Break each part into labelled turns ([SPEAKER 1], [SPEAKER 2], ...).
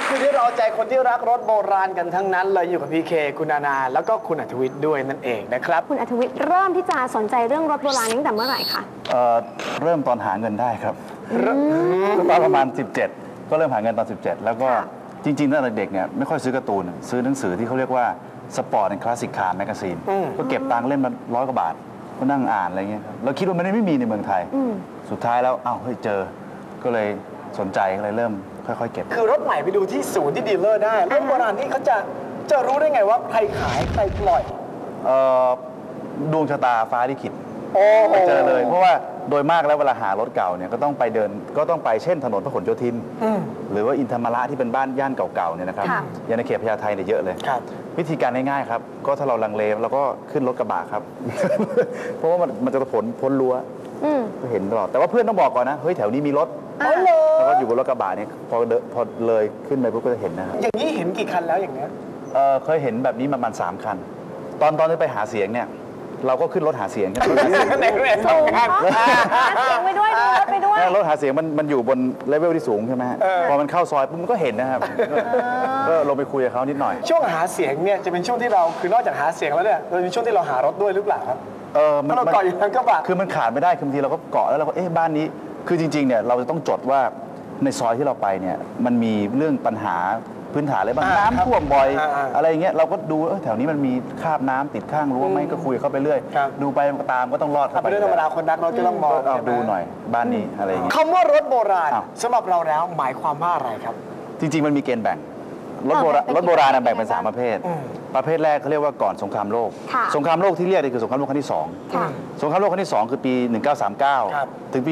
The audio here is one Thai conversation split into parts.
[SPEAKER 1] คือที่เราใจคนที่รักรถโบราณกันทั้งนั้นเลยอยู่กับพี่เคคุณนานาแล้วก็คุณอัธวิทย์ด้วยนั่นเองนะครับ
[SPEAKER 2] คุณอัธวิทย์เริ่มที่จะสนใจเรื่องรถโบราณตั้งแต่เมื่อไหร่คะ
[SPEAKER 3] เริ่มตอนหาเงินได้ครับตอนประมาณ17ก็เริ่มหาเงินตอน17แล้วก็จริงๆตั้งแต่เด็กเนี่ยไม่ค่อยซื้อการ์ตูนซื้อหนังสือที่เขาเรียกว่าสปอร์ตแอนด์คลาสสิกคาร์แมกกาซีนก็เก็บตังค์เล่มละ100 กว่าบาทก็นั่งอ่านอะไรเงี้ยเราคิดว่ามันไม่มีในเมืองไทยสุดท้ายแล้วเฮ้ยเจอก็เลยสนใจก็เลยเริ่มค่อยๆเก็บ
[SPEAKER 1] คือรถใหม่ไปดูที่ศูนย์ที่ดีลเลอร์ได้รถโบราณที่เขาจะรู้ได้ไงว่าใครขายใครปล่อย
[SPEAKER 3] ดวงชะตาฟ้าลิขิตเจอเลยเพราะว่าโดยมากแล้วเวลาหารถเก่าเนี่ยก็ต้องไปเช่นถนนพหลโยธินหรือว่าอินธรรมระที่เป็นบ้านย่านเก่าๆเนี่ยนะครับอย่างในเขตพญาไทเนี่ยเยอะเลยวิธีการง่ายๆครับก็ถ้าเราลังเลเราก็ขึ้นรถกระบะครับ เพราะว่ามันจะพ้นรั้วก็เห็นตลอดแต่ว่าเพื่อนต้องบอกก่อนนะเฮ้ยแถวนี้มีรถแล้วก็อยู่บนรถกระบะเนี่ยพอเลยขึ้นไปปุ๊บก็จะเห็นนะครับ
[SPEAKER 1] อย่างนี้เห็นกี่คันแล้วอย่างเนี้ย
[SPEAKER 3] เคยเห็นแบบนี้ประมาณ3 คันตอนที่ไปหาเสียงเนี่ยเราก็ขึ้นรถหาเสียงกัน
[SPEAKER 1] ในเรื่องสำคัญ
[SPEAKER 2] หาเสียงไปด้วยรถไปด้วย
[SPEAKER 3] รถหาเสียงมันอยู่บนเลเวลที่สูงใช่ไหมพอมันเข้าซอยปุ๊บมันก็เห็นนะครับก็ลงไปคุยกับเขานิดหน่อย
[SPEAKER 1] ช่วงหาเสียงเนี่ยจะเป็นช่วงที่เราคือนอกจากหาเสียงแล้วเนี่ยเราเป็นช่วงที่เราหารถด้วยหรือเปล่าครับถ้าเราเกาะอยู่นั้นก็บะ
[SPEAKER 3] คือมันขาดไม่ได้คือบางทีเราก็เกาะแล้วเราก็บ้านนี้คือจริงๆเนี่ยเราจะต้องจดว่าในซอยที่เราไปเนี่ยมันมีเรื่องปัญหาพื้นฐานอะไรบ้างน้ำท่วมบ่อยอะไรอย่างเงี้ยเราก็ดูแถวนี้มันมีคราบน้ำติดข้างรั้วไหมก็คุยเข้าไปเรื่อยดูไปตามก็ต้องรอดเข้าไป
[SPEAKER 1] เรื่องธรรมดาคนรักเราจะต้องมอง
[SPEAKER 3] ดูหน่อยบ้านนี้อะไรอย่างเงี้ย
[SPEAKER 1] คำว่ารถโบราณสำหรับเราแล้วหมายความว่าอะไรครับ
[SPEAKER 3] จริงๆมันมีเกณฑ์แบ่งรถโบราณแบ่งเป็น3 ประเภทประเภทแรกเขาเรียกว่าก่อนสงครามโลกสงครามโลกที่เรียกนี่คือสงครามโลกครั้งที่2สงครามโลกครั้งที่2คือปี1939ถึงปี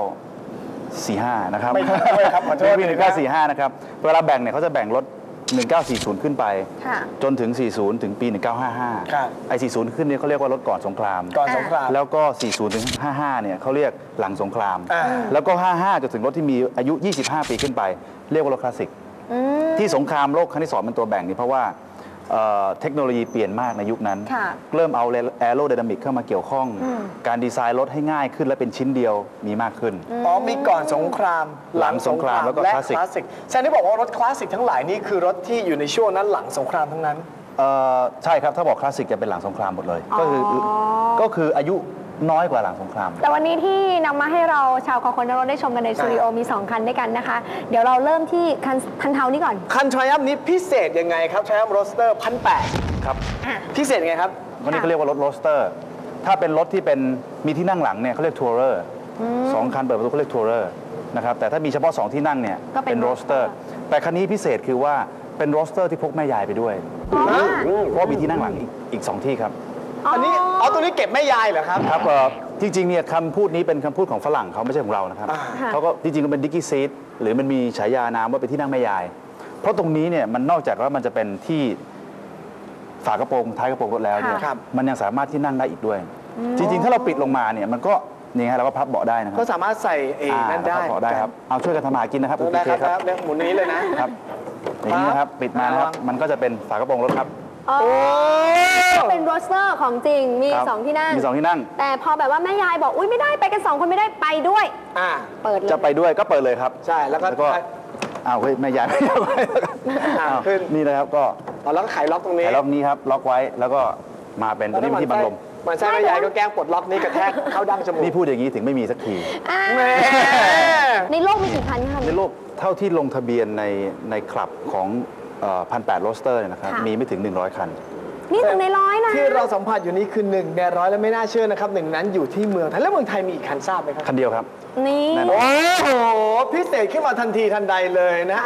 [SPEAKER 3] 1945นะครับ
[SPEAKER 1] ไม่ใช่ครับขอโทษ
[SPEAKER 3] ปี1945นะครับเวลาแบ่งเนี่ยเขาจะแบ่งรถ1940ขึ้นไปจนถึง40ถึงปี1955ไอ้40ขึ้นเนี่ยเขาเรียกว่ารถก่อนสงครามแล้วก็40ถึง55เนี่ยเขาเรียกหลังสงครามแล้วก็55จนถึงรถที่มีอายุ25 ปีขึ้นไปเรียกว่ารถคลาสสิกที่สงครามโลกครั้งที่2เป็นตัวแบ่งนี่เพราะว่าเทคโนโลยีเปลี่ยนมากในยุคนั้นเริ่มเอาแอโรไดนามิกเข้ามาเกี่ยวข้องการดีไซน์รถให้ง่ายขึ้นและเป็นชิ้นเดียวมีมากขึ้น
[SPEAKER 1] มีก่อนสงคราม
[SPEAKER 3] หลังสงครามแล้วก็คลาสสิก
[SPEAKER 1] แสดงที่บอกว่ารถคลาสสิกทั้งหลายนี่คือรถที่อยู่ในช่วงนั้นหลังสงครามทั้งนั้น
[SPEAKER 3] ใช่ครับถ้าบอกคลาสสิกจะเป็นหลังสงครามหมดเลยก็คืออายุน้อยกว่าหลังสงคราม
[SPEAKER 2] แต่วันนี้ที่นำมาให้เราชาวคอคนรถได้ชมกันในสตูดิโอมี2 คันด้วยกันนะคะเดี๋ยวเราเริ่มที่คันเทานี้ก่อน
[SPEAKER 1] คันทรยัมนี้พิเศษยังไงครับทรยัมโรสเตอร์1,800
[SPEAKER 3] ครับ
[SPEAKER 1] พิเศษยังไงครับ
[SPEAKER 3] วันนี้เขาเรียกว่ารถโรสเตอร์ถ้าเป็นรถที่เป็นมีที่นั่งหลังเนี่ยเขาเรียกทัวร์เรอร์2 คันเปิดประตูเขาเรียกทัวร์เรอร์นะครับแต่ถ้ามีเฉพาะ2 ที่นั่งเนี่ยเป็นโรสเตอร์แต่คันนี้พิเศษคือว่าเป็นโรสเตอร์ที่พกแม่ยายไปด้วยเพราะมีที่นั่งหลังอีก2 ที่ครับ
[SPEAKER 1] อันนี้ตัวนี้เก็บแม่ยายเหรอครับ
[SPEAKER 3] ครับจริงๆเนี่ยคำพูดนี้เป็นคำพูดของฝรั่งเขาไม่ใช่ของเรานะครับเขาก็จริงๆก็เป็นดิกกี้ซีทหรือมันมีฉายานามว่าเป็นที่นั่งแม่ยายเพราะตรงนี้เนี่ยมันนอกจากว่ามันจะเป็นที่ฝากระโปรงท้ายกระโปรงรถแล้วเนี่ยมันยังสามารถที่นั่งได้อีกด้วยจริงๆถ้าเราปิดลงมาเนี่ยมันก็นี่ฮะเราก็พับเบาะได้นะครับ
[SPEAKER 1] ก็สามารถใส่นั่นได้
[SPEAKER 3] เบาะได้ครับเอาช่วยกันทำหากินนะครับ
[SPEAKER 1] ได้ครับหมุนนี้เลยนะครับ
[SPEAKER 3] อย่างนี้นะครับปิดมานะครับมันก็จะเป็นฝากระโปรงรถครับ
[SPEAKER 2] เป็นโรสเตอร์ของจริงมี2 ที่นั่งแต่พอแบบว่าแม่ยายบอกอุ้ยไม่ได้ไปกัน2 คนไม่ได้ไปด้วยเปิดเลย
[SPEAKER 3] จะไปด้วยก็เปิดเลยครับ
[SPEAKER 1] ใช่แล้วก็
[SPEAKER 3] เฮ้ยแม่ยายไม่ได้ขึ้นนี่นะครับก็
[SPEAKER 1] แล้วก็ไขล็อกตรงนี้
[SPEAKER 3] ไขล็อกนี้ครับล็อกไว้แล้วก็มาเป็นตัวนี้ที่บังลม
[SPEAKER 1] มันใช่แม่ยายก็แกล้งปลดล็อกนี้กระแทกเข้าดั้งจมูก
[SPEAKER 3] นี่พูดอย่างนี้ถึงไม่มีสักที
[SPEAKER 2] ในโลกมีกี่คันคะ
[SPEAKER 3] ในโลกเท่าที่ลงทะเบียนในคลับของ1,800โรสเตอร์นะครับมีไม่ถึง100 คัน
[SPEAKER 2] นี่1 ใน 100นะ
[SPEAKER 1] ที่เราสัมผัสอยู่นี้คือ1 ใน 100และไม่น่าเชื่อนะครับ1นั้นอยู่ที่เมืองไทยแล้วเมืองไทยมีอีกคันทราบไหมครับ
[SPEAKER 3] คันเดียวครับ
[SPEAKER 2] นี่
[SPEAKER 1] โอ้โหพิเศษขึ้นมาทันทีทันใดเลยนะ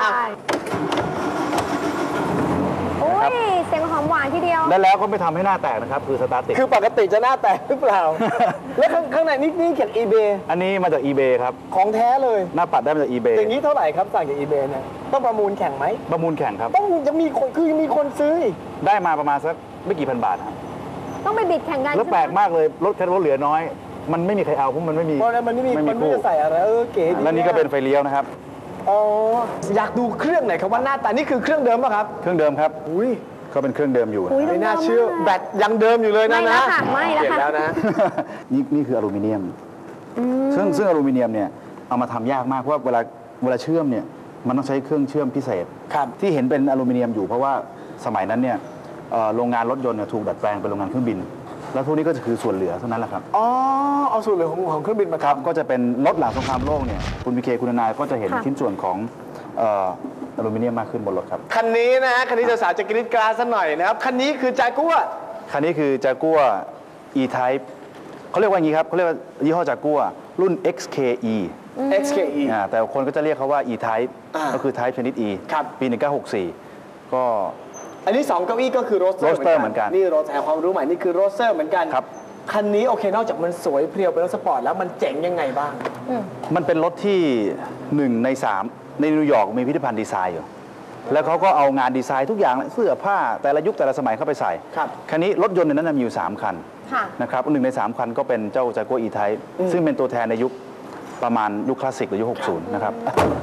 [SPEAKER 2] โอ้ยเสียงหอมหวานทีเดียว
[SPEAKER 3] แล้วก็ไม่ทำให้หน้าแตกนะครับคือสตาร์ทติด
[SPEAKER 1] คือปกติจะหน้าแตกหรือเปล่าแล้วข้างในนี่เขียน eBay
[SPEAKER 3] อันนี้มาจาก eBay ครับ
[SPEAKER 1] ของแท้เลย
[SPEAKER 3] หน้าปัดได้มาจาก eBay
[SPEAKER 1] อย่างนี้เท่าไหร่ครับสั่งจาก eBay เนี่ยต้องประมูลแข่งไหม
[SPEAKER 3] ประมูลแข่งครับ
[SPEAKER 1] ต้องจะมีคนคือมีคนซื้อ
[SPEAKER 3] ได้มาประมาณสักไม่กี่พันบาทครับ
[SPEAKER 2] ต้องไปบิดแข่งกัน
[SPEAKER 3] แล้วแปลกมากเลยรถแค่รถเหลือน้อยมันไม่มีใครเอาเพราะมันไม่มี
[SPEAKER 1] มันไม่จะใส่อะไรเก๋
[SPEAKER 3] แล้วนี่ก็เป็นไฟเลี้ยวนะครับ
[SPEAKER 1] อยากดูเครื่องไหนครับว่าหน้าตานี่คือเครื่องเดิมป่ะครับ
[SPEAKER 3] เครื่องเดิมครับ
[SPEAKER 1] อุ้ย
[SPEAKER 3] ก็เป็นเครื่องเดิมอยู่
[SPEAKER 1] ไม่น่าเชื่อแบตยังเดิมอยู่เลยนะ
[SPEAKER 2] ไม่แล้ว
[SPEAKER 1] นะ
[SPEAKER 3] นี่คืออลูมิเนียมซึ่งอลูมิเนียมเนี่ยเอามาทำยากมากเพราะเวลาเชื่อมเนี่ยมันต้องใช้เครื่องเชื่อมพิเศษ
[SPEAKER 1] ครับ
[SPEAKER 3] ที่เห็นเป็นอลูมิเนียมอยู่เพราะว่าสมัยนั้นเนี่ยโรงงานรถยนต์เนี่ยถูกดัดแปลงเป็นโรงงานเครื่องบิน แล้วพวกนี้ก็จะคือส่วนเหลือเท่านั้นแหละครับ
[SPEAKER 1] อ๋อเอาส่วนเหลือของเครื่องบินมา
[SPEAKER 3] ครับ
[SPEAKER 1] ทำ
[SPEAKER 3] ก็จะเป็นรถหลังสงครามโลกเนี่ยคุณพีเคคุณนายก็จะเห็น
[SPEAKER 2] ค่ะ
[SPEAKER 3] ชิ้นส่วนของอลูมิเนียมมากขึ้นบนรถครับ
[SPEAKER 1] คันนี้นะฮะคันนี้สาวๆจะกรี๊ดกราดสักหน่อยนะครับคันนี้คือจากัว
[SPEAKER 3] คันนี้คือจากัว E-Type เขาเรียกว่าอย่างนี้ครับเขาเรียกว่ายี่ห้อจากัวรุ่น XKE
[SPEAKER 1] XKE
[SPEAKER 3] แต่คนก็จะเรียกเขาว่า E-Type ก็คือ Type ชนิด E
[SPEAKER 1] ครับ
[SPEAKER 3] ปี 1964 ก็
[SPEAKER 1] อันนี้2เก้าอี้ก็คือโรสเตอร์
[SPEAKER 3] Roadster เหมือนกัน
[SPEAKER 1] นี่โรสแต่ความรู้ใหม่นี่คือโรสเตอร์เหมือนกัน
[SPEAKER 3] ครับ
[SPEAKER 1] คันนี้โอเคนอกจากมันสวยเพรียวเป็นรถสปอร์ตแล้วมันเจ๋งยังไงบ้าง
[SPEAKER 3] มันเป็นรถที่ 1 ใน 3 ในนิวยอร์กมีพิพิธภัณฑ์ดีไซน์อยู่ แล้วเขาก็เอางานดีไซน์ทุกอย่างเสื้อผ้าแต่ละยุคแต่ละสมัยเข้าไปใส่
[SPEAKER 1] ครับ
[SPEAKER 3] คันนี้รถยนต์ในนั้นมีอยู่ 3 คัน
[SPEAKER 2] ค่ะ
[SPEAKER 3] นะครับ1 ใน 3 คันก็เป็นเจ้าจากัว E-Type ซึ่งเป็นตัวแทนในยุคประมาณยุคคลาสสิกหรือยุค 60 นะครับ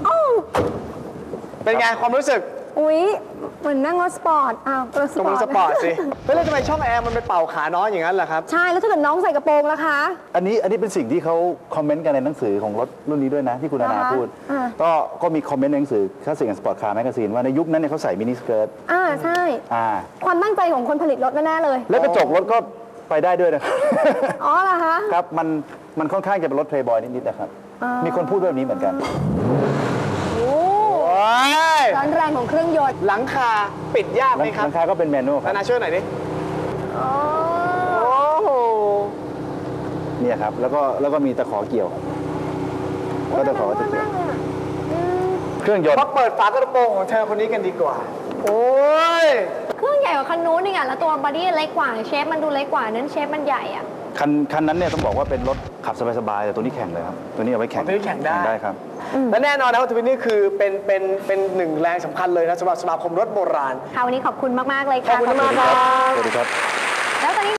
[SPEAKER 1] เป็นไงความรู้สึก
[SPEAKER 2] อุ๊ยเหมือนนั่งรถสปอร์ตอ้าวรถส
[SPEAKER 1] ตรง
[SPEAKER 2] ปอร์ต
[SPEAKER 1] สปอร์ตสิเฮ้ยแล้วทำไมช่องแอร์มันไปเป่าขาน้อยอย่างนั้นล่ะครับ
[SPEAKER 2] ใช่แล้วถ้าเกิดน้องใส่กระโปรงล่ะคะ
[SPEAKER 3] อันนี้เป็นสิ่งที่เขาคอมเมนต์กันในหนังสือของรถรุ่นนี้ด้วยนะ ที่คุณนานา
[SPEAKER 2] อ่าฮะ
[SPEAKER 3] พูด
[SPEAKER 2] อ่า
[SPEAKER 3] ก็มีคอมเมนต์ในหนังสือคลาสสิกแอนด์สปอร์ตคาร์แมกกาซีนว่าในยุคนั้นเนี่ยเขาใส่มินิสเกิร์ต
[SPEAKER 2] ใช่
[SPEAKER 3] อ่า
[SPEAKER 2] ความตั้งใจของคนผลิตรถแน่ๆเลย
[SPEAKER 3] แล้วกระจกรถก็ไปได้ด้วยนะครับ
[SPEAKER 2] อ๋อเหรอคะ
[SPEAKER 3] ครับมันค่อนข้างจะเป็นรถเพลย์บอยนิดๆนะครับ มีคนพูดแบบนี้เหมือนกัน
[SPEAKER 2] โอ้
[SPEAKER 1] โอ้ย
[SPEAKER 2] ร้อนแรงของเครื่องยนต์
[SPEAKER 1] หลังคาปิดยากไหมครับ
[SPEAKER 3] หลังคาก็เป็นแมนนวลครั
[SPEAKER 1] นา
[SPEAKER 3] บ
[SPEAKER 1] นาช่วยหน่อยดิ
[SPEAKER 2] อ๋อ
[SPEAKER 1] โอ้โห
[SPEAKER 3] เนี่ยครับแล้วก็มีตะขอเกี่ยวครับก็ตะขอจะเกี่ยวเครื่องยนต์
[SPEAKER 1] มาเปิดฝากระโปรงของเธอคนนี้กันดีกว่า โอ้ย
[SPEAKER 2] เครื่องใหญ่กว่าคันนู้นนี่ไงแล้วตัวบอดี้เล็กกว่าเชฟมันดูเล็กกว่านั้นเชฟมันใหญ่อะ
[SPEAKER 3] คันนั้นเนี่ยต้องบอกว่าเป็นรถขับสบายๆแต่ตัวนี้แข่งเลยครับตัวนี้เอาไว้แข่ง
[SPEAKER 1] ตัวนี้แข่งได้
[SPEAKER 3] ได้ครับ
[SPEAKER 1] และแน่นอนนะว่าทวินนี่คือเป็นหนึ่งแรงสำคัญเลยนะสำหรับสมาคมรถโบราณ
[SPEAKER 2] ค่ะวันนี้ขอบคุณมากๆเลย
[SPEAKER 1] ขอ
[SPEAKER 2] ค่ะ
[SPEAKER 1] บคุณมากครับ
[SPEAKER 3] สวัสดีครับ
[SPEAKER 2] แล้วตอนนี้